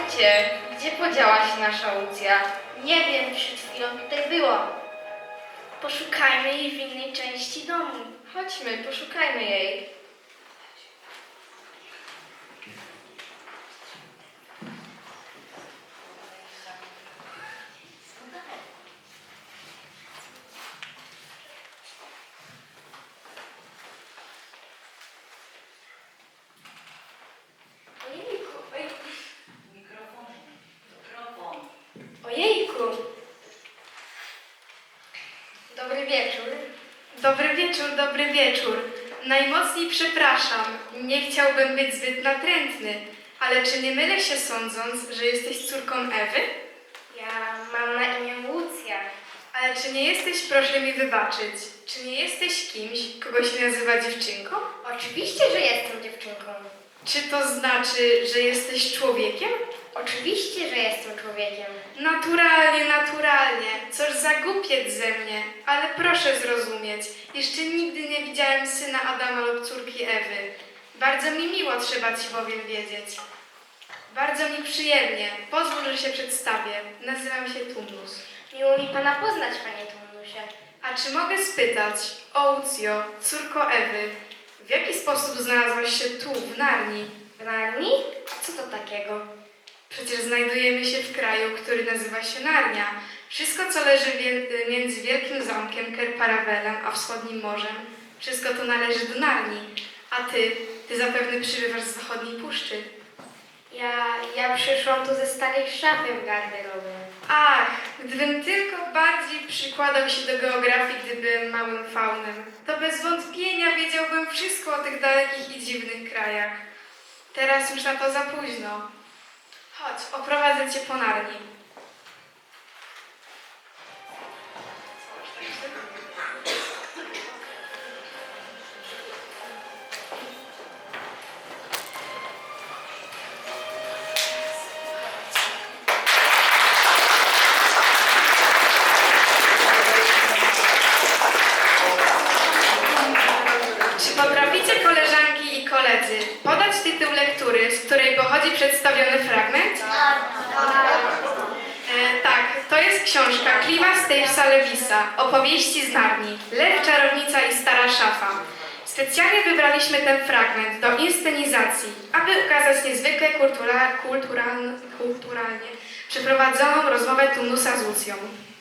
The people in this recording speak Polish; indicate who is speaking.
Speaker 1: Chodźcie, gdzie podziała się nasza Łucja?
Speaker 2: Nie wiem, przed chwilą tutaj była. Poszukajmy jej w innej części domu.
Speaker 1: Chodźmy, poszukajmy jej.
Speaker 2: Ojejku.
Speaker 1: Dobry wieczór.
Speaker 3: Dobry wieczór, dobry wieczór. Najmocniej przepraszam, nie chciałbym być zbyt natrętny, ale czy nie mylę się sądząc, że jesteś córką Ewy?
Speaker 2: Ja mam na imię Łucja.
Speaker 3: Ale czy nie jesteś, proszę mi wybaczyć, czy nie jesteś kimś, kogo się nazywa dziewczynką?
Speaker 2: Oczywiście, że jestem dziewczynką.
Speaker 3: Czy to znaczy, że jesteś człowiekiem?
Speaker 2: Oczywiście, że jestem człowiekiem.
Speaker 3: Naturalnie, naturalnie. Coż za głupiec ze mnie. Ale proszę zrozumieć, jeszcze nigdy nie widziałem syna Adama lub córki Ewy. Bardzo mi miło, trzeba ci bowiem wiedzieć. Bardzo mi przyjemnie. Pozwól, że się przedstawię. Nazywam się Turnus.
Speaker 2: Miło mi pana poznać, panie Turnusie.
Speaker 3: A czy mogę spytać, o Łucjo, córko Ewy, w jaki sposób znalazłaś się tu, w Narni?
Speaker 2: W Narni? A co to takiego?
Speaker 3: Przecież znajdujemy się w kraju, który nazywa się Narnia. Wszystko, co leży między Wielkim Zamkiem Kerparawelem a Wschodnim Morzem, wszystko to należy do Narni. A ty zapewne przybywasz z zachodniej puszczy.
Speaker 2: Ja przyszłam tu ze starej szafy w garderobie.
Speaker 3: Ach, gdybym tylko bardziej przykładał się do geografii, gdy byłem małym faunem, to bez wątpienia wiedziałbym wszystko o tych dalekich i dziwnych krajach. Teraz już na to za późno. Chodź, oprowadzę cię po Narni. Czy potraficie, koleżanki i koledzy, podać tytuł lektury, z której pochodzi przedstawiony fragment? Tak, to jest książka Cliva Stapesa Lewisa, opowieści z Narni, Lew, czarownica i stara szafa. Specjalnie wybraliśmy ten fragment do inscenizacji, aby ukazać niezwykle kulturalnie przeprowadzoną rozmowę Turnusa z Łucją.